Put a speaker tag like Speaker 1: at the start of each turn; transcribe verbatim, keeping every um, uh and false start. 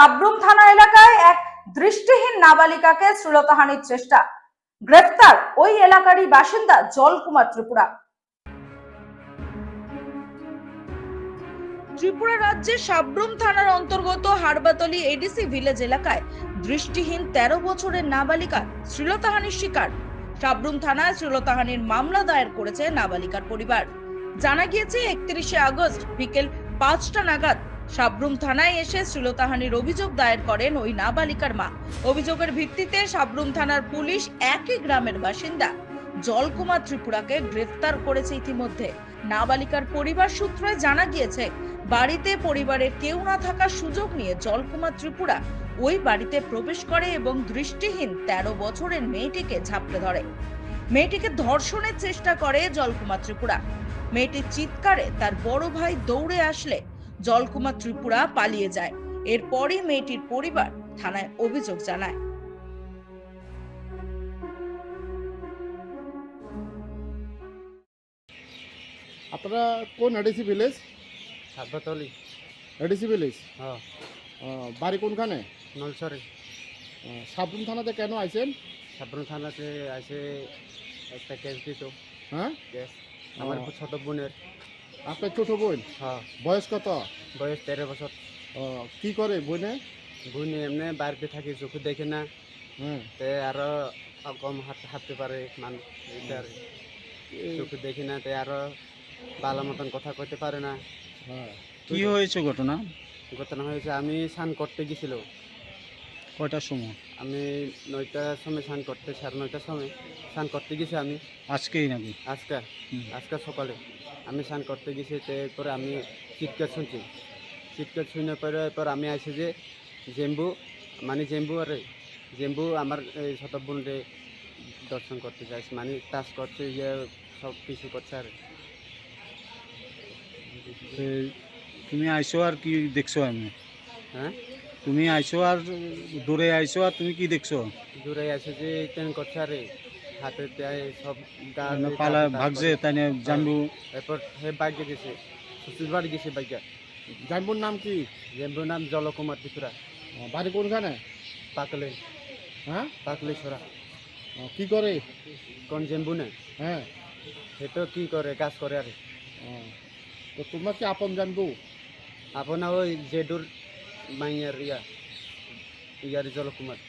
Speaker 1: সাবরুম থানা এলাকায় এক দৃষ্টিহীন নাবালিকাকে শ্লীলতাহানির চেষ্টা, গ্রেফতার ওই এলাকারই বাসিন্দা জলকুমার ত্রিপুরা। ত্রিপুরা রাজ্যের সাবরুম থানার অন্তর্গত হারবাতলি এডিসি ভিলেজ এলাকায় দৃষ্টিহীন তেরো বছরের নাবালিকা শ্লীলতাহানির শিকার। সাবরুম থানায় শ্লীলতাহানির মামলা দায়ের করেছে নাবালিকার পরিবার। জানা গিয়েছে একত্রিশে আগস্ট বিকেল পাঁচটা নাগাদ সাবরুম থানায় এসে শ্লীলতাহানির অভিযোগ দায়ের করেন ওই নাবালিকার মা। অভিযোগের ভিত্তিতে সাবরুম থানার পুলিশ একই গ্রামের বাসিন্দা জলকুমার ত্রিপুরাকে গ্রেফতার করেছে। ইতিমধ্যে নাবালিকার পরিবার সূত্রে জানা গিয়েছে, বাড়িতে পরিবারের কেউ না থাকার সুযোগ নিয়ে জলকুমার ত্রিপুরা ওই বাড়িতে প্রবেশ করে এবং দৃষ্টিহীন তেরো বছরের মেয়েটিকে ঝাপটে ধরে। মেয়েটিকে ধর্ষণের চেষ্টা করে জলকুমার ত্রিপুরা। মেয়েটির চিৎকারে তার বড় ভাই দৌড়ে আসলে জলকুমার ত্রিপুরা পালিয়ে যায়। এরপরই মেয়েটির পরিবার থানায় অভিযোগ জানায়।
Speaker 2: আপনারা কোন ADC village?
Speaker 3: Harbatali.
Speaker 2: ADC village?
Speaker 3: হ্যাঁ।
Speaker 2: বাড়ি কোনখানে?
Speaker 3: নলছড়ি।
Speaker 2: সাবরুম থানাতে কেন আইছেন?
Speaker 3: সাবরুম থানাতে আছে একটা কেস দিত।
Speaker 2: হ্যাঁ,
Speaker 3: কেস আমার ছোট বোনের।
Speaker 2: আপনার ছোট বোন?
Speaker 3: হ্যাঁ।
Speaker 2: বয়স কত?
Speaker 3: বয়স তেরো বছর।
Speaker 2: কি করে বোনে?
Speaker 3: বোন এমনি বাড়িতে থাকি, চোখে দেখে না।
Speaker 2: হ্যাঁ,
Speaker 3: তে আরো কম হাঁট হাঁটতে পারে মানুষ, চোখে দেখি না। তে আরো ভালো মতন কথা কইতে পারে না।
Speaker 2: হ্যাঁ।
Speaker 4: কি হয়েছে ঘটনা?
Speaker 3: ঘটনা হয়েছে আমি স্নান করতে গেছিল।
Speaker 4: কয়টার সময়?
Speaker 3: আমি নয়টার সময় স্নান করতে, সাড়ে নয়টার সময় স্নান করতে গেছি আমি।
Speaker 4: আজকেই নাকি?
Speaker 3: আজকে আজকে সকালে আমি স্নান করতে গেছি। তারপরে আমি চিৎকার শুনছি। চিৎকার শুনে পরে এরপর আমি আসি যে জেম্বু মানে জেম্বু আরে জেম্বু আমার এই ছোট বোনরে দর্শন করতে যাইছি, মানে টাচ করছে, ইয়ে সব কিছু করছে। আর
Speaker 4: তুমি আইসো আর কি দেখছো? আমি
Speaker 3: হ্যাঁ,
Speaker 4: তুমি আইসো আর দূরে আইসো আর তুমি কি দেখছো?
Speaker 3: দূরে আসে যে ট্রেন করছে আরে হাতে দেয় সব গা
Speaker 4: পালা ভাগছে তাই না? জানবু
Speaker 3: এরপর হে বাইকে গেছে, শ্বশুর বাড়ি গেছে বাইকে।
Speaker 2: জানবুর নাম কি?
Speaker 3: জেম্বুর নাম জলকুমার ত্রিপুরা।
Speaker 2: বাড়ি কোনখানে?
Speaker 3: পাকলে।
Speaker 2: হ্যাঁ,
Speaker 3: পাকলে ছড়া।
Speaker 2: কি করে?
Speaker 3: কোন জেম্বু না?
Speaker 2: হ্যাঁ,
Speaker 3: সেটা কি করে, কাজ করে। আর
Speaker 2: তো তোমরা কি আপন জানবু?
Speaker 3: আপনার ওই জেডুর মাইয়ার ইয়া ইয়ার জলকুমার।